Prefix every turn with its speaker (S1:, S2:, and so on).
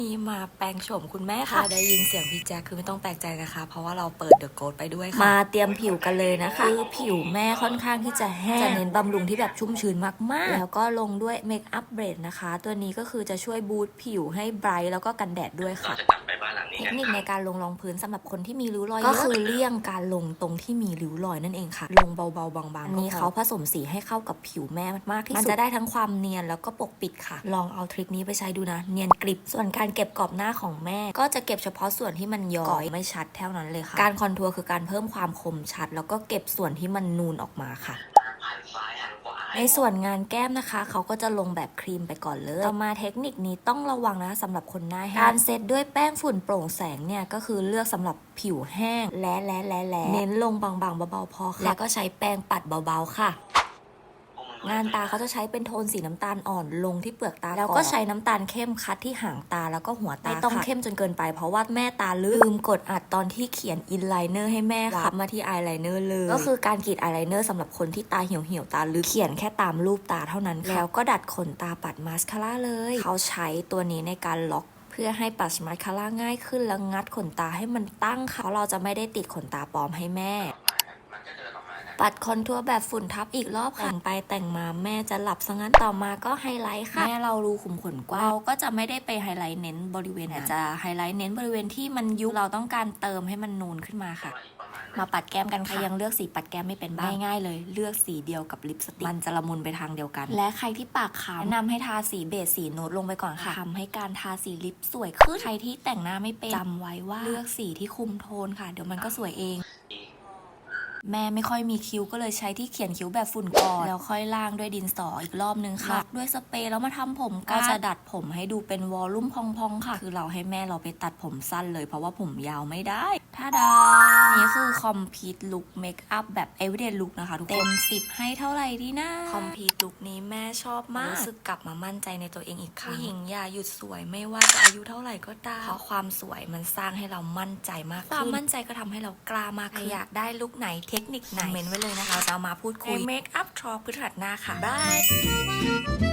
S1: นี่มาแปลงโฉมคุณแม่ค่ะได้ยินเสียงพี่แจ๊คคือไม่ต้องแปลกใจนะคะเพราะว่าเราเปิดเดอะโกสไปด้วยค่ะมาเตรียมผิวกันเลยนะคะคือผิวแม่ค่อนข้างที่จะแห้งจะเน้นบำรุงที่แบบชุ่มชื้นมากๆแล้วก็ลงด้วยเมคอัพเบรดนะคะตัวนี้ก็คือจะช่วยบูสต์ผิวให้ไบรท์แล้วก็กันแดดด้วยค่ะเทคนิคในการลงรองพื้นสำหรับคนที่มีริ้วรอยก็คือเลี่ยงการลงตรงที่มีริ้วรอยนั่นเองค่ะลงเบาๆบางๆอันนี้เขาผสมสีให้เข้ากับผิวแม่มากที่สุดมันจะได้ทั้งความเนียนแล้วก็ปกปิดค่ะลองเอาทริคนี้ไปใช้ดูนะเนียนกริบส่วนการเก็บกรอบหน้าของแม่ก็จะเก็บเฉพาะส่วนที่มันย้อยไม่ชัดเท่านั้นเลยค่ะการคอนทัวร์คือการเพิ่มความคมชัดแล้วก็เก็บส่วนที่มันนูนออกมาค่ะในส่วนงานแก้มนะคะเขาก็จะลงแบบครีมไปก่อนเลยต่อมาเทคนิคนี้ต้องระวังนะสำหรับคนหน้าแห้งการเซตด้วยแป้งฝุ่นโปร่งแสงเนี่ยก็คือเลือกสำหรับผิวแห้งและเน้นลงบางๆเบาๆพอค่ะแล้วก็ใช้แป้งปัดเบาๆค่ะงานตาเขาจะใช้เป็นโทนสีน้ำตาลอ่อนลงที่เปลือกตาแล้วก็ใช้น้ำตาลเข้มคัดที่หางตาแล้วก็หัวตาไม่ต้องเข้มจนเกินไปเพราะว่าแม่ตาลืมกดอัดตอนที่เขียนอินไลเนอร์ให้แม่ค่ะมาที่อายไลเนอร์เลยก็คือการกรีดอายไลเนอร์สำหรับคนที่ตาเหี่ยวๆตาลึกเขียนแค่ตามรูปตาเท่านั้นแล้วก็ดัดขนตาปัดมาสคาร่าเลยเขาใช้ตัวนี้ในการล็อกเพื่อให้ปัดมาสคาร่าง่ายขึ้นแล้วงัดขนตาให้มันตั้งค่ะเพราะเราจะไม่ได้ติดขนตาปลอมให้แม่ปัดคอนทัวร์แบบฝุ่นทับอีกรอบค่ะแต่งไปแต่งมาแม่จะหลับซะงั้นต่อมาก็ไฮไลท์ค่ะแม่เรารูขุมขนกว้างเราก็จะไม่ได้ไปไฮไลท์เน้นบริเวณแต่จะไฮไลท์เน้นบริเวณที่มันยุบเราต้องการเติมให้มันนูนขึ้นมาค่ะมาปัดแก้มกันค่ะยังเลือกสีปัดแก้มไม่เป็นบ้างง่ายๆเลยเลือกสีเดียวกับลิปสติกมันจะละมุนไปทางเดียวกันและใครที่ปากขาวแนะนำให้ทาสีเบสสีนูดลงไปก่อนค่ะทำให้การทาสีลิปสวยขึ้นใครที่แต่งหน้าไม่เป็นจำไว้ว่าเลือกสีที่คุมโทนค่ะเดี๋ยวมันก็สวยเองแม่ไม่ค่อยมีคิ้วก็เลยใช้ที่เขียนคิ้วแบบฝุ่นก่อนแล้วค่อยล่างด้วยดินสออีกรอบนึงค่ะด้วยสเปรย์แล้วมาทำผมก็จะดัดผมให้ดูเป็นวอลลุ่มพองๆค่ะคือเราให้แม่เราไปตัดผมสั้นเลยเพราะว่าผมยาวไม่ได้ท่าดานี่คือคอมพลีทลุคเมคอัพแบบ everyday look นะคะทุกคนเต็ม10ให้เท่าไหร่ดีนะคอมพลีทลุคนี้แม่ชอบมากรู้สึกกลับมามั่นใจในตัวเองอีกครั้งผู้หญิงอย่าหยุดสวยไม่ว่าจะอายุเท่าไหร่ก็ตามเพราะความสวยมันสร้างให้เรามั่นใจมากขึ้นความมั่นใจก็ทำให้เรากล้ามากขึ้นอยากได้ลุคไหนเทคนิคไหนเมนไว้เลยนะคะเราจะมาพูดคุยเมคอัพทรอพฤหัสหน้าค่ะบาย